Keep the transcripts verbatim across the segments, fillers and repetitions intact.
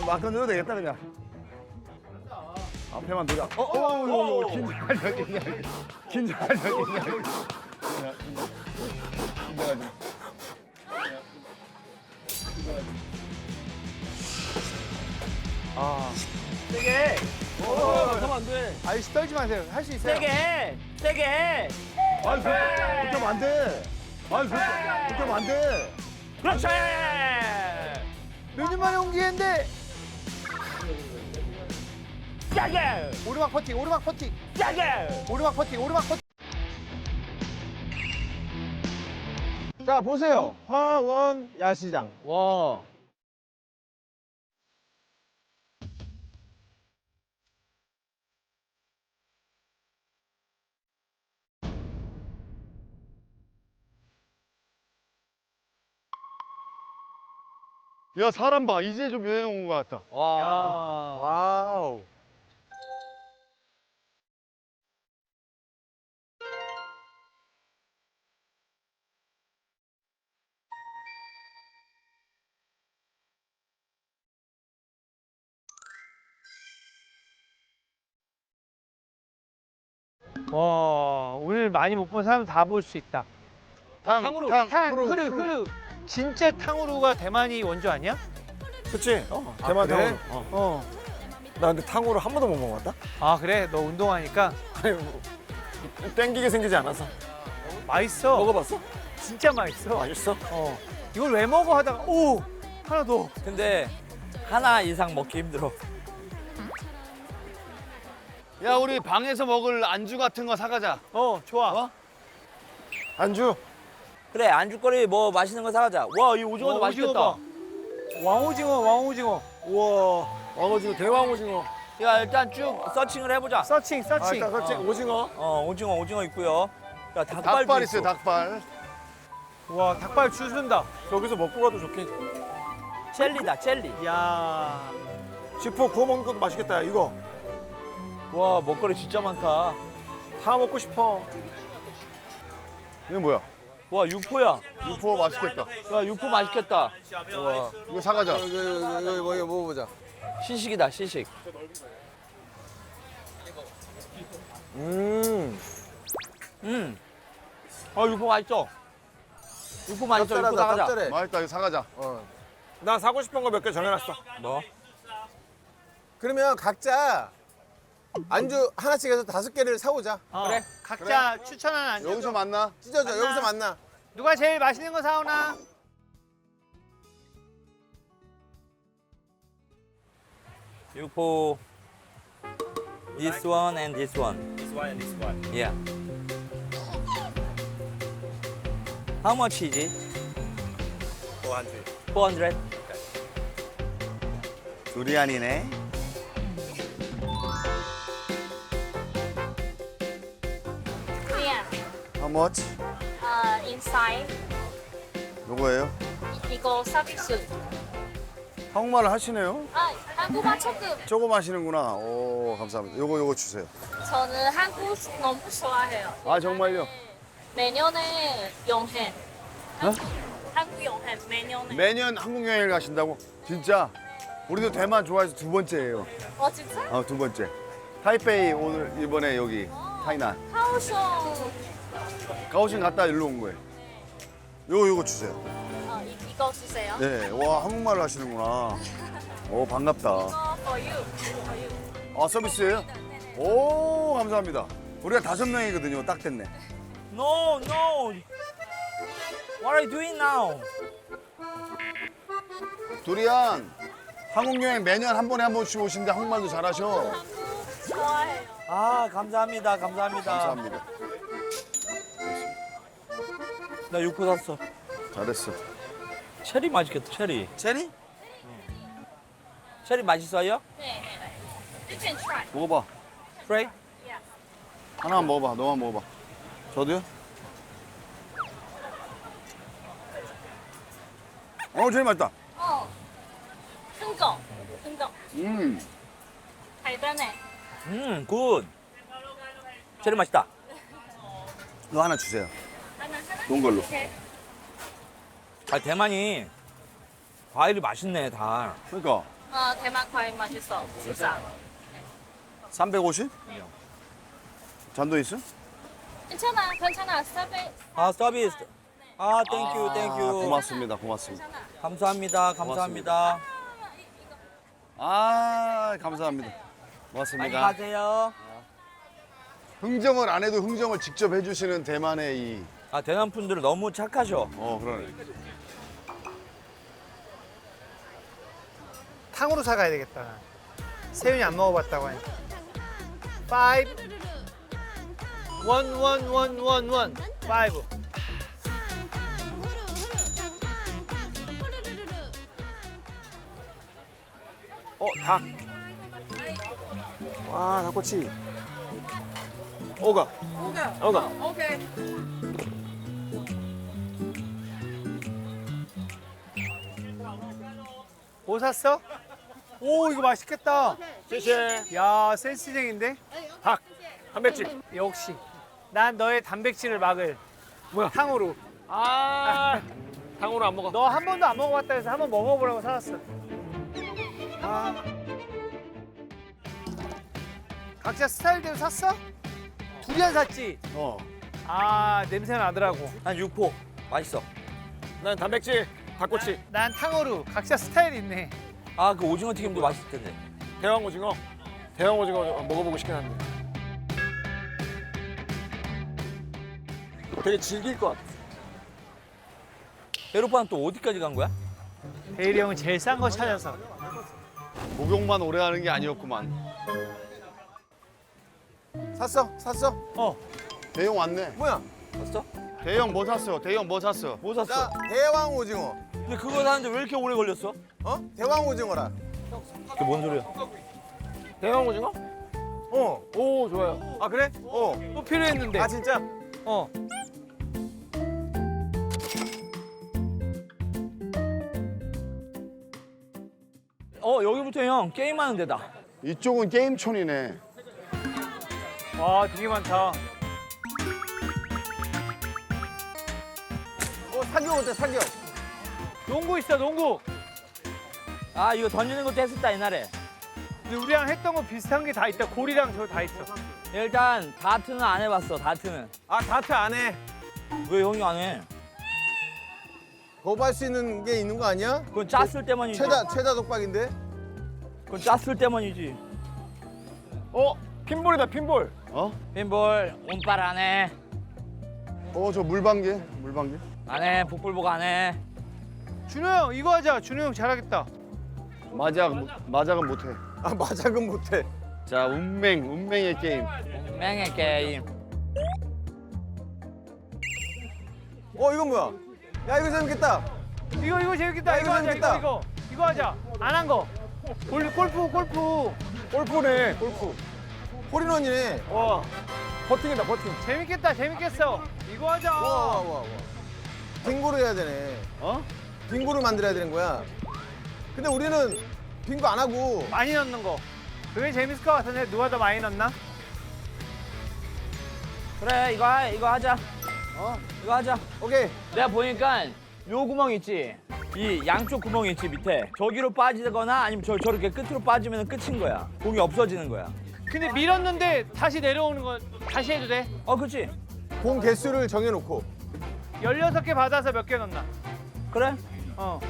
막 건져도 되겠다 그냥. 앞에만 두자. 어, 어, 어, 어, 긴장하지, 긴장하지. 긴장하지, 긴장하지. 긴장하지. 아. 세게. 어, 하면 안 돼. 아이씨 떨지 마세요. 할 수 있어요. 세게. 세게. 아니, 그렇게 하면 안 돼. 아니, 그렇게 하면 안 돼. 그렇지. 몇 년 만에 온 기회인데. 세게. 오르막 퍼팅, 오르막 퍼팅, 세게. 오르막 퍼팅, 오르막 퍼팅. 자 보세요. 화원 야시장. 와. 야, 사람 봐. 이제 좀 여행 온 것 같다. 와. 와우. 와 오늘 많이 못 본 사람 다 볼 수 있다. 탕, 탕후루, 탕, 탕, 후루, 흐르, 후루. 흐르. 진짜 탕후루가 대만이 원조 아니야? 그치? 어, 대만 그래? 탕후루. 어. 어. 나 근데 탕후루 한 번도 못 먹어봤다? 아 그래? 너 운동하니까 아니, 뭐, 땡기게 생기지 않아서. 맛있어. 먹어봤어? 진짜 맛있어. 맛있어? 어. 이걸 왜 먹어 하다가 오 하나 더. 근데 하나 이상 먹기 힘들어. 야, 우리 방에서 먹을 안주 같은 거 사가자. 어 좋아. 어? 안주? 그래 안주거리 뭐 맛있는 거 사가자. 와 이 오징어도 와, 맛있겠다. 오징어 봐. 왕오징어, 왕오징어. 우와, 왕오징어, 대왕오징어. 야 일단 쭉 서칭을 해보자. 서칭, 아, 서칭. 일단 그렇지, 오징어. 어 오징어 오징어 있고요. 야 닭발도 닭발 있어. 있어요, 닭발. 와 닭발 줄 쓴다. 여기서 먹고 가도 좋겠지. 젤리다 젤리. 야. 지포 구워 먹는 것도 맛있겠다, 야, 이거. 와 먹거리 진짜 많다. 다 먹고 싶어. 이거 뭐야? 와 육포야. 육포 맛있겠다. 야 육포 맛있겠다. 와, 이거 사가자. 이거 이거 이거 뭐 이거 먹어보자. 시식이다 시식. 음. 음. 아 육포 맛있어. 육포 맛있어. 육포 짭짤하다, 사가자. 짭짤해. 맛있다, 이거 사가자. 어. 나 사고 싶은 거 몇 개 정해놨어. 뭐? 그러면 각자 안주 하나씩 해서 다섯 개를 사오자. 어, 그래. 각자 추천한 안주. 여기서 만나? 찢어져. 만나. 여기서 만나. 누가 제일 맛있는 거 사오나? 육포. This one and this one. This one and this one. Yeah. How much is it? four hundred. four hundred. 두리안이네. Yeah. How much? Uh, inside 요거예요? 이거 서비스. 한국말을 하시네요. 아, 한국말 조금. 조금 하시는구나. 오, 감사합니다. 요거 요거 주세요. 저는 한국 너무 좋아해요. 아, 정말요? 매년에 여행. 한국, 한국 여행 매년에. 매년 한국 여행을 가신다고? 진짜? 우리도 대만 좋아해서 두 번째예요. 어 진짜? 아, 두 번째. 타이페이 오늘 이번에 여기 타이난. 하오숑. 가오신 갔다 일로 온 거예요. 요거 요거 주세요. 어, 이, 이거 주세요. 네, 와 한국말을 하시는구나. 오, 반갑다. 이거 for you. For you. 아, 서비스예요? 오, 감사합니다. 우리가 다섯 명이거든요. 딱 됐네. No, no. What are you doing now? 두리안, 한국 여행 매년 한 번에 한 번씩 오시는데 한국말도 잘하셔. 한국 좋아해요. 아 감사합니다 감사합니다. 감사합니다. 나 육포 샀어. 잘했어. 체리 맛있겠다 체리. 체리? 체리 맛있어요? 네, 네. You can try. 먹어봐. 프레이? Yeah. 하나만 먹어봐. 너만 먹어봐. 저도요? 어, 제일 맛있다. 어. 큰 거. 큰 거. 음. 달달해. 음 굿. 체리 맛있다. 너 하나 주세요. 하나 하나. 좋은 걸로. 오케이. 아 대만이 과일이 맛있네 다. 그러니까 어, 대만 과일 맛있어. 진짜. 삼백오십? 잔도 있어? 괜찮아, 괜찮아. 서비스. 아, 서비스. 아, 땡큐, 아, 땡큐. 고맙습니다. 고맙습니다. 괜찮아. 감사합니다, 감사합니다. 아, 감사합니다. 많이 고맙습니다. 가세요. 흥정을 안 해도 흥정을 직접 해주시는 대만의 이. 아, 대남 분들 너무 착하셔. 어, 그러네. 탕으로 사가야 되겠다. 세윤이 안 먹어봤다고 하니까. 파이브. 원, 원, 원, 원, 원. 파이브. 어, 닭. 와, 닭꼬치. 오가. 오가. 오가. 뭐 샀어? 오, 이거 맛있겠다. 谢谢. 야, 센스쟁인데? 닭. 단백질. 역시. 난 너의 단백질을 막을. 뭐야? 탕으로. 아, 닭으로 안 먹어. 너 한 번도 안 먹어봤다 해서 한번 먹어보라고 사왔어. 아. 각자 스타일대로 샀어? 두리안 샀지? 어. 아, 냄새 나더라고. 난 육포. 맛있어. 난 단백질. 닭꼬치. 난 탕후루. 각자 스타일 있네. 아, 그 오징어 튀김도 맛있을 텐데. 대왕 오징어. 대왕 오징어 먹어보고 싶긴 한데. 되게 질길 것 같아. 배로파는 또 어디까지 간 거야? 대일이 형은 제일 싼 거 찾아서. 목욕만 오래 하는 게 아니었구만. 샀어? 샀어? 어. 대형 왔네. 뭐야? 봤어? 대형 뭐 샀어? 대형 뭐 샀어? 뭐 샀어? 자, 대왕 오징어. 근데 그거 사는데 왜 이렇게 오래 걸렸어? 어? 대왕 오징어라. 그게 뭔 소리야? 대왕 오징어? 어. 오, 좋아요. 아, 그래? 어. 또 필요했는데. 아, 진짜? 어. 어, 여기부터 형 게임하는 데다. 이쪽은 게임촌이네. 와, 되게 많다. 어, 사격 어때, 사격? 농구 있어, 농구. 아, 이거 던지는 것도 했었다, 옛날에. 근데 우리랑 했던 거 비슷한 게 다 있다. 골이랑 저거 다 있어. 일단 다트는 안 해봤어, 다트는. 아, 다트 안 해. 왜 형이 안 해? 거부할 수 있는 게 있는 거 아니야? 그건 짰을 때만이지. 최다, 최다 독박인데? 그건 짰을 때만이지. 어? 핀볼이다, 핀볼. 어? 핀볼, 운빨 안 해. 어, 저 물방개. 물방개. 안 해, 복불복 안 해. 준호 형, 이거 하자. 준호 형 잘하겠다. 마작, 마작은 못해. 아, 마작은 못해. 자, 운맹, 운맹의 게임. 맹의 게임. 어, 이건 뭐야? 야, 이거 재밌겠다. 이거, 이거 재밌겠다. 야, 이거 이거 하자, 재밌겠다. 이거, 이거. 이거 하자. 안 한 거. 골, 골프, 골프. 골프네, 골프. 홀인원이네. 와, 버팅이다, 버팅. 재밌겠다, 재밌겠어. 이거 하자. 와, 와, 와, 와. 빙고를 해야 되네. 어? 빙고를 만들어야 되는 거야. 근데 우리는 빙고 안 하고 많이 넣는 거. 그게 재밌을 것 같은데 누가 더 많이 넣나? 그래, 이거, 하, 이거 하자. 어? 이거 하자. 오케이. 내가 보니까 요 구멍 있지? 이 양쪽 구멍 있지, 밑에. 저기로 빠지거나 아니면 저, 저렇게 끝으로 빠지면 끝인 거야. 공이 없어지는 거야. 근데 밀었는데 다시 내려오는 건 다시 해도 돼? 어, 그치? 공 개수를 정해놓고. 열여섯 개 받아서 몇 개 넣나? 그래? 어.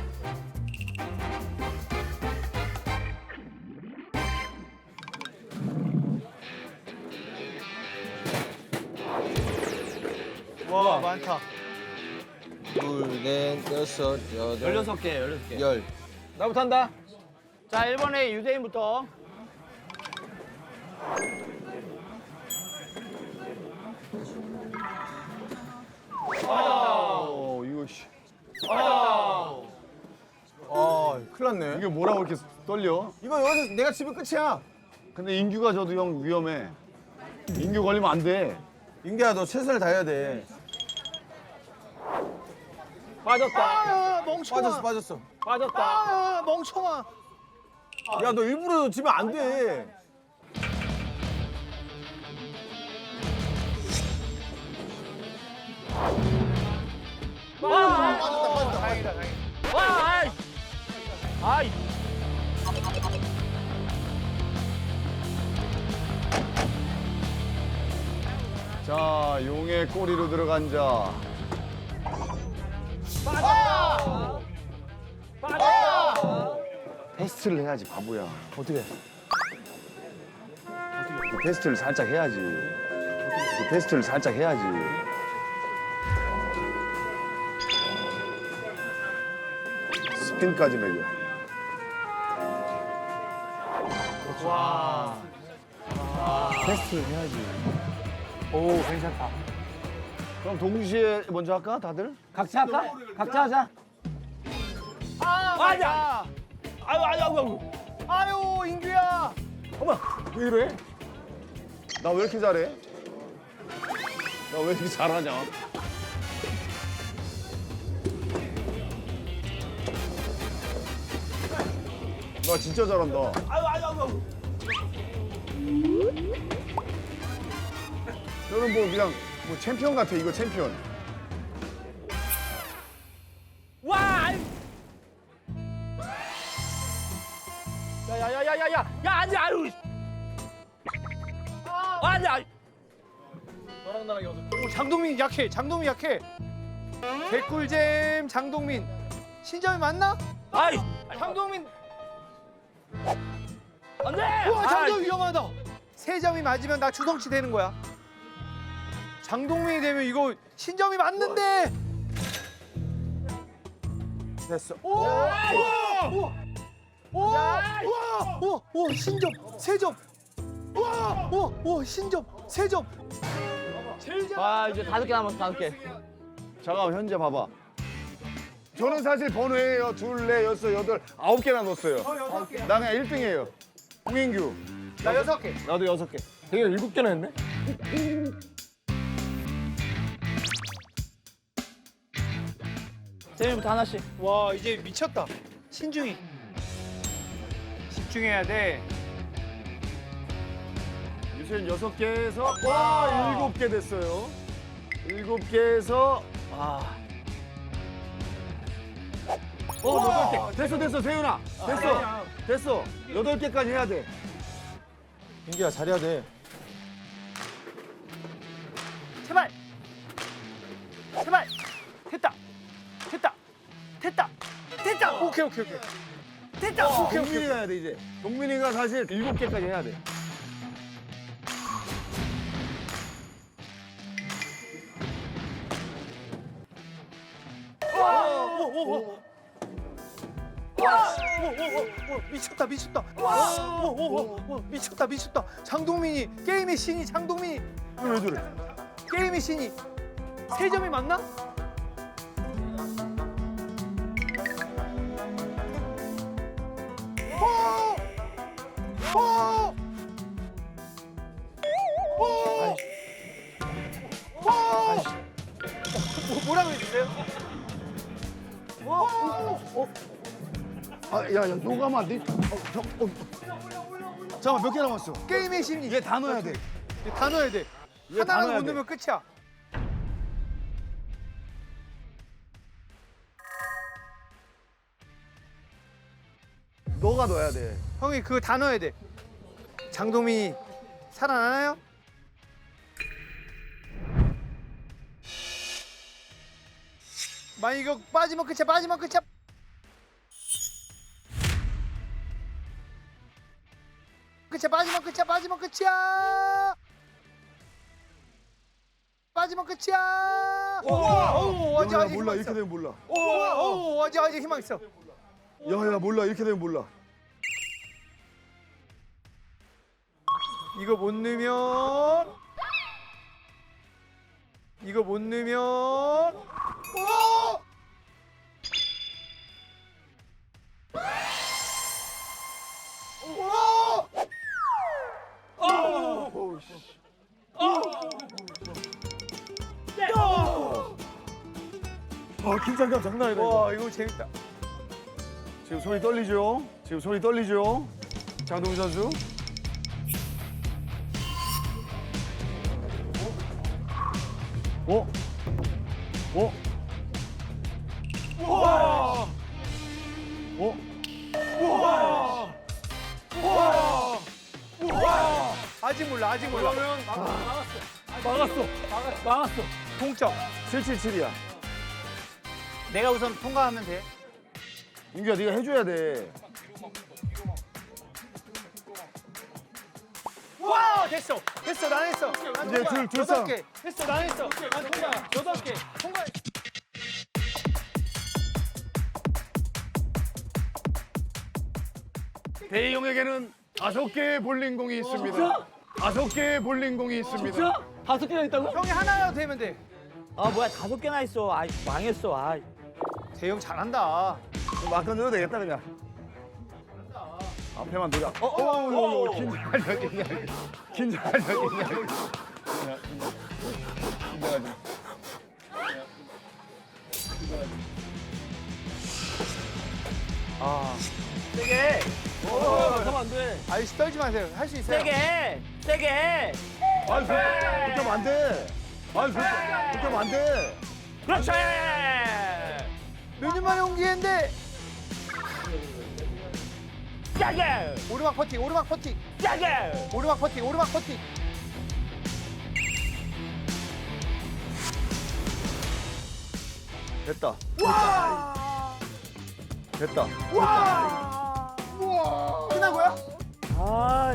와, 많다. 둘, 넷, 여섯, 여덟, 열여섯 개, 열여섯 개. 열. 나부터 한다. 자, 일 번에 유대인부터. 어, 이거 씨. 아, 큰일 났네. 이게 뭐라고 이렇게 떨려? 이거 여기서 내가 집에 끝이야. 근데 인규가 저도 형 위험해. 인규 걸리면 안 돼. 인기야, 너 최선을 다해야 돼. 빠졌다. 아, 멍청아. 빠졌어, 빠졌어. 빠졌다. 아, 멍청아. 야, 너 일부러 지면 안 돼. 와, 빠졌다, 빠졌다. 다행이다, 다행이다. 와, 아이! 아이! 자, 용의 꼬리로 들어간 자. 테스트를 해야지, 바보야. 어떻게? 그 테스트를 살짝 해야지. 그 테스트를 살짝 해야지. 스핀까지 매겨. 와. 테스트를 해야지. 오, 괜찮다. 그럼 동시에 먼저 할까, 다들? 각자 할까? 각자 하자. 아, 맞아. 아유 아유 아유. 아유, 인규야. 왜 이래? 나 왜 이렇게 잘해? 나 왜 이렇게 잘하냐? 나 진짜 잘한다. 아유 아유 아유. 너는 뭐 그냥 뭐 챔피언 같아, 이거 챔피언. 와. 아유. 야야야야야야. 야 앉아. 아유. 앉아. 오, 장동민 약해. 장동민 약해. 개꿀잼 장동민. 신점이 맞나? 아이. 장동민. 안돼. 우와, 장동민 위험하다. 세 점이 맞으면 나 주성치 되는 거야. 장동민이 되면 이거 신점이 맞는데. 됐어. 오! 우와! 우와! 우와! 우와! 우와! 우와! 신점 세 점. 우와! 우와! 우와! 신점 세 점. 제일 잘. 아 이제 다섯 개 남았어 다섯 개. 잠깐만, 현재 봐봐. 저는 사실 번호예요. 둘, 넷, 여섯, 여덟, 아홉 개나 넣었어요. 여섯 개. 나 그냥 일 등이에요. 홍인규. 나 여섯 개. 나도 여섯 개. 되게 일곱 개나 했네. 세민부터 하나씩. 와, 이제 미쳤다. 신중히. 집중해야 돼. 유세윤 여섯 개에서 와, 일곱 개 됐어요. 일곱 개에서 아. 어, 여덟 개. 됐어, 됐어, 세윤아. 됐어. 됐어. 여덟 개까지 해야 돼. 민규야 잘해야 돼. 제발. 제발. 됐다. 됐다. 됐다. 됐다. 오케이, 오케이, 오케이. 됐다. 오케이, 오케이. 동민이가 해야 돼, 이제. 동민이가 사실 일곱 개까지 해야 돼. 오, 오, 오. 와, 오, 오, 오, 오, 미쳤다, 미쳤다. 와, 오, 오, 오, 오, 미쳤다, 미쳤다. 장동민이 게임의 신이 장동민이 왜 저래? 게임의 신이 세 점이 맞나? 오! 오! 오! 오! 뭐, 뭐라고 해주세요? 오! 오! 오! 아, 야, 야, 너가 하면 안 돼? 어, 저, 어. 잠깐만, 몇 개 남았어? 게임의 신이 얘 다 넣어야 돼. 얘다 넣어야 돼. 얘다 하나라도 넣어야 못 돼. 넣으면 끝이야. 너가 넣어야 돼. 형이 그거 다 넣어야 돼. 장동민이 살아나나요? 만약 이거 빠지면 끝이야. 빠지면 끝이야. 끝이야. 빠지면 끝이야. 빠지면 끝이야. 빠지면 끝이야. 오, 오, 아직 야, 야, 아직 몰라. 희망 이렇게 있어. 되면 몰라. 오, 오, 아직 아직 희망 있어. 야, 야, 몰라. 이렇게 되면 몰라. 이거 못 넣으면 이거 못 넣으면 오! 아, 긴장감 장난 아니다. 이거. 와, 이거 재밌다. 지금 손이 떨리죠? 지금 손이 떨리죠? 장동민 선수. 어? 어? 와! 어? 와! 와! 와! 아직 몰라. 아직 몰라. 그러면 막았어. 막았어. 동점. 칠칠칠이야. 내가 우선 통과하면 돼. 민규야 네가 해줘야 돼. 와 됐어. 됐어. 난 했어. 난 이제 통과. 줄- 줄 여덟 서. 개. 됐어. 난 했어. 난 통과. 여덟 개. 통과. 대희용에게는 다섯 개의 볼링공이 있습니다. 다섯 개의 볼링공이 있습니다. 다섯 개나 있다고? 형이 하나라도 되면 돼. 아 뭐야 다섯 개나 있어. 아 망했어. 아. 대형 잘한다. 막 던져도 되겠다 그냥. 앞에만 노려. 어, 어, 어, 어, 긴장하자, 긴장. 긴장하자, 긴장. 긴장하자. 세게. 어, 그러면 안 돼. 아이씨 떨지 마세요. 할 수 있어요. 세게. 세게. 아니, 그렇게 하면 안 돼. 아니, 그렇게 그렇게 하면 안 돼. 그렇지. 몇 년 만에 온 기회인데 세게. 오르막 퍼팅, 오르막 퍼팅, 세게. 오르막 퍼팅, 오르막 퍼팅. 됐다. 됐다. 끝난 거야? 아.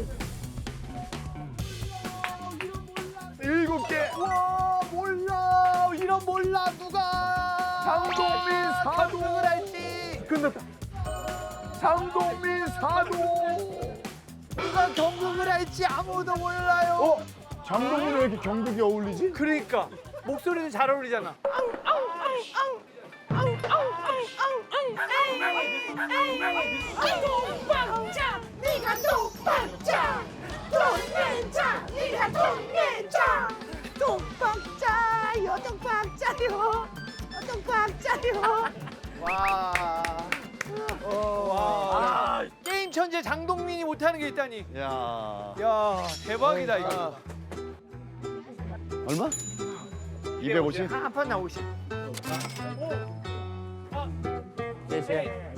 일곱 개. 와 몰라. 이런 몰라 누가. 장동민 사도. 경쟁을 할지. 끝났다. 장동민 사도. 누가 경쟁을 할지 아무도 몰라요. 어? 장동민은 왜 이렇게 경극이 어울리지? 그러니까 목소리도 잘 어울리잖아. 동방자 네가 동방자 돈 내자 네가 돈 내자 동방자요 동방자요 동방자요 와. 와. 게임 천재 장동민이 못하는 게 있다니. 야. 야 대박이다 이거. 얼마? 이백오십? 한판 나오십. 네, 세.